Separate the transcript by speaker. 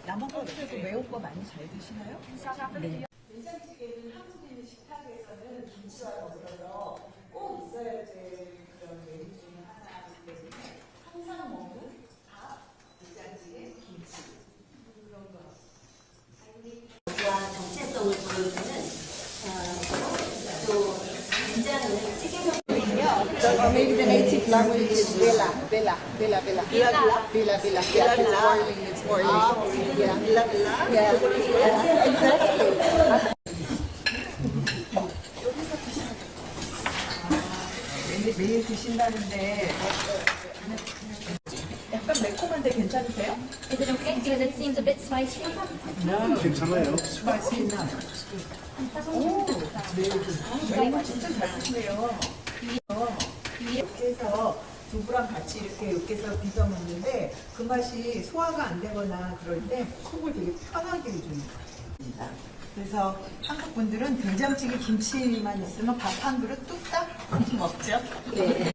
Speaker 1: 남한국에도 매운 거 많이 잘 드시나요? 네.
Speaker 2: 된장찌개는 한국에 있는 식탁에서는 김치와 더불어서 꼭 있어야 될 그런 메뉴 중에 하나이기 때문에 항상 먹는 밥, 된장찌개, 김치 이런 거.
Speaker 3: 정체성을 보여주는 또 된장은 찌개용.
Speaker 1: Or maybe the native language is Villa. Yes, it's Orly. Yeah, exactly. 매일 드신다는데 약간 매콤한데 괜찮으세요?
Speaker 4: Is it okay? Because it seems a bit spicy.
Speaker 5: 괜찮아요.
Speaker 1: 오, 네. 매운 진짜 잘 드시네요. 이렇게 해서 두부랑 같이 이렇게 으깨서 비벼 먹는데 그 맛이 소화가 안 되거나 그럴 때 속을 되게 편하게 해줍니다. 그래서 한국 분들은 된장찌개 김치만 있으면 밥 한 그릇 뚝딱 먹죠.